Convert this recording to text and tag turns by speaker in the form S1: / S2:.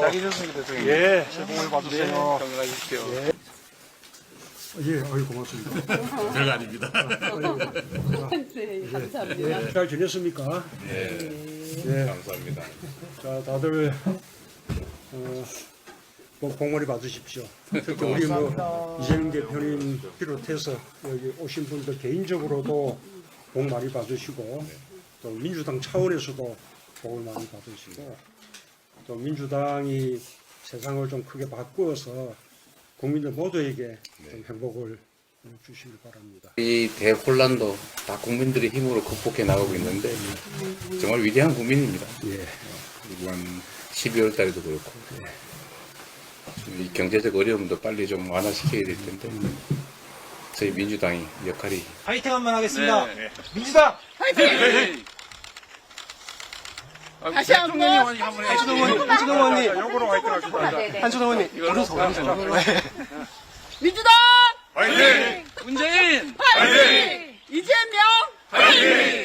S1: 장이 좋습니다, 대통령님.
S2: 예, 새해 복 많이 받으세요.
S1: 건강하십시오.
S2: 예, 아유, 고맙습니다.
S3: 별거 아닙니다.
S4: 네, 감사합니다.
S2: 예, 잘 지냈습니까?
S3: 예, 감사합니다.
S2: 자, 다들, 복 많이 받으십시오. 특히 우리 이재명 대표님 비롯해서 여기 오신 분들 개인적으로도 복 많이 받으시고, 또 민주당 차원에서도 복을 많이 받으시고, 또 민주당이 세상을 좀 크게 바꾸어서 국민들 모두에게 좀 행복을 주시길 바랍니다.
S5: 이 대혼란도 다 국민들의 힘으로 극복해 나가고 있는데 정말 위대한 국민입니다.
S2: 예.
S5: 이번 12월 달에도 그렇고 이 경제적 어려움도 빨리 좀 완화시켜야 될 텐데 저희 민주당이 역할이
S6: 파이팅 한번 하겠습니다. 민주당 파이팅!
S4: 다시 한 번.
S6: 한준호 의원님,
S1: 요거로 화이팅 합시다.
S6: 한준호 의원님, 오른손.
S4: 민주당
S1: 화이팅!
S4: 문재인 파이팅! 이재명 파이팅!